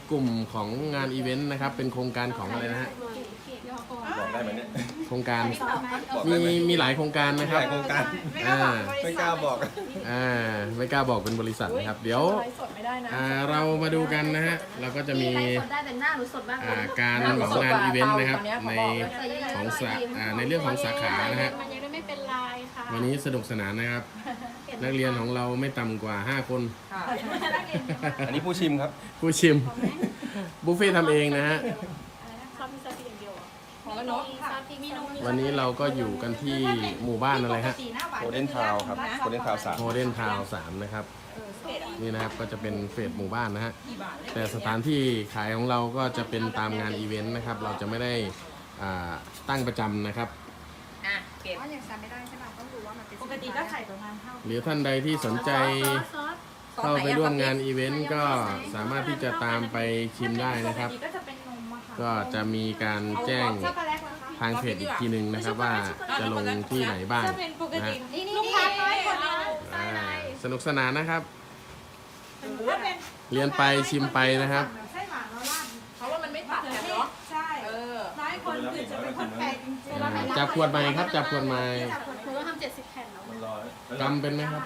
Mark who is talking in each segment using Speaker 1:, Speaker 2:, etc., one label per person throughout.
Speaker 1: กลุ่มของงานอีเวนต์นะครับเป็นโครงการของอะไรนะฮะ
Speaker 2: บอกได้ไหมเนี่ย
Speaker 1: โครงการ
Speaker 2: บอกได้ไหม
Speaker 1: มีหลายโครงการนะค
Speaker 2: ห
Speaker 1: รับ
Speaker 2: ลายโครงการ
Speaker 1: อ่า
Speaker 2: ไม่กล้าบอก
Speaker 1: ไม่กล้าบอกเป็นบริษัทนะครับเดี๋ยว
Speaker 3: ไลฟ์สดไม่ได้นะ
Speaker 1: เรามาดูกันนะฮะเราก็จะมี
Speaker 4: ไลฟ์สดได้แต่หน้าหนูสดมากเลย
Speaker 1: การของงานอีเวนต์นะครับในของในเรื่องของสาขานะฮะ
Speaker 4: มันยังไม่เป็นลายค่ะ
Speaker 1: วันนี้สนุกสนานนะครับ นักเรียนของเราไม่ต่ำกว่า 5 คน
Speaker 2: อันนี้ผู้ชิมครับ
Speaker 1: ผู้ชิมบุฟเฟ่ต์ทำเองนะฮะ
Speaker 4: ซอสมีซอสพริกอย่างเดียวเหรอ
Speaker 3: ของละนก
Speaker 4: มีซอสพริกมีนม
Speaker 1: วันนี้เราก็อยู่กันที่หมู่บ้านอะไรฮะ
Speaker 2: โกลเด้นทาวครับโกลเด้นทาว3
Speaker 1: โมเดิร์นทาวน์3นะครับนี่นะครับก็จะเป็นเฟสหมู่บ้านนะฮะแต่สถานที่ขายของเราก็จะเป็นตามงานอีเวนต์นะครับเราจะไม่ได้ตั้งประจำนะครับ
Speaker 3: อ่ะเก็บ
Speaker 4: ว่าอย่างจำไม่ได้ใช่ป่ะต้องดูว่ามันเป็น
Speaker 3: ปกติก็ไข่ประมาณเท่า
Speaker 1: หรือท่านใดที่สนใจ
Speaker 4: ซอส
Speaker 1: เข้าไปร่วมงานอีเวนต์ก็สามารถที่จะตามไปชิมได้นะครับ
Speaker 4: ก็จะเป็นนมอะค่ะ
Speaker 1: ก็จะมีการแจ้ง
Speaker 4: ช็อกโกแลตนะคะ
Speaker 1: ทางเพจอีกทีหนึ่งนะครับว่าจะลงที่ไหนบ้าง
Speaker 3: ถ้าเป็นปก
Speaker 1: นะ
Speaker 3: ติ
Speaker 1: ฮะ
Speaker 4: นี่ลูกค้าน้อยคนนะ
Speaker 1: สนุกสนานนะครับ
Speaker 3: ถ้าเป็น
Speaker 1: เรียนไปชิมไปนะครับ
Speaker 5: ไส้หวานแล้วราด
Speaker 3: เพราะว่ามันไม่ตัดกันเนาะ
Speaker 5: ใช่
Speaker 3: เออ
Speaker 5: น้อยคนอื่นจะเป็นคนแปลกจริง
Speaker 1: จับขวดใหม่ครับจับขวดใหม่
Speaker 4: หนูต้องทำ70 แผ่นแล้ว
Speaker 2: มันรอ
Speaker 1: จำเป็นไหมครับ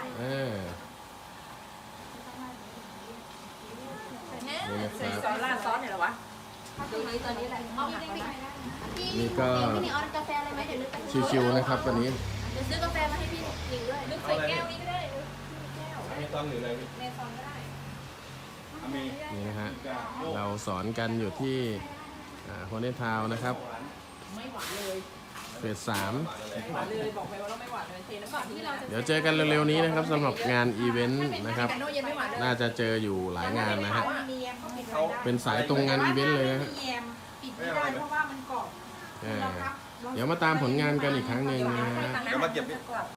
Speaker 1: นี่นะค
Speaker 3: ใส่
Speaker 1: รับ
Speaker 3: ซอสราดซอสเนี่ยเหรอวะ
Speaker 4: ดูนี้ตอนนี้แหละเอาพี่นี่
Speaker 1: นี่ก็
Speaker 4: พี่นี่ออนกาแฟอะไรไหมเดี๋ยวนึกไป
Speaker 1: ชิวๆนะครับวันนี้
Speaker 4: เดี๋ยวซื้อกาแฟมาให้พี่หญิงด้วย
Speaker 3: นึกใส่แก้วนี้ก็ได้
Speaker 2: อเมซอนหรืออะไรพี่
Speaker 3: ในซองก็ได้
Speaker 2: อเม
Speaker 1: นี่นะฮะเราสอนกันอยู่ที่โฮเนทาวนะครับ
Speaker 3: ไม่หวานเลย
Speaker 1: เฟส3
Speaker 3: ไม่หวานเลยบอกไปว่าเราไม่หวานเลยเทน้ำตาลที่เราจะ
Speaker 1: เดี๋ยวเจอกันเร็วๆนี้นะครับสำหรับงานอีเวนต์นะครับ
Speaker 3: กันโนเย็นไม่หวานเลย
Speaker 1: น่าจะเจออยู่หลายงานนะฮะ
Speaker 5: มีแยมเขาปิดไว้ได้
Speaker 1: เป็นสายตรงงานอีเวนต์เลยนะฮะ
Speaker 5: มีแยมปิดไม่ได้เพราะว่ามันกรอบ
Speaker 1: เดี๋ยวมาตามผลงานกันอีกครั้งหนึ่งนะฮะ
Speaker 2: เดี๋ยวมาเก็บพี่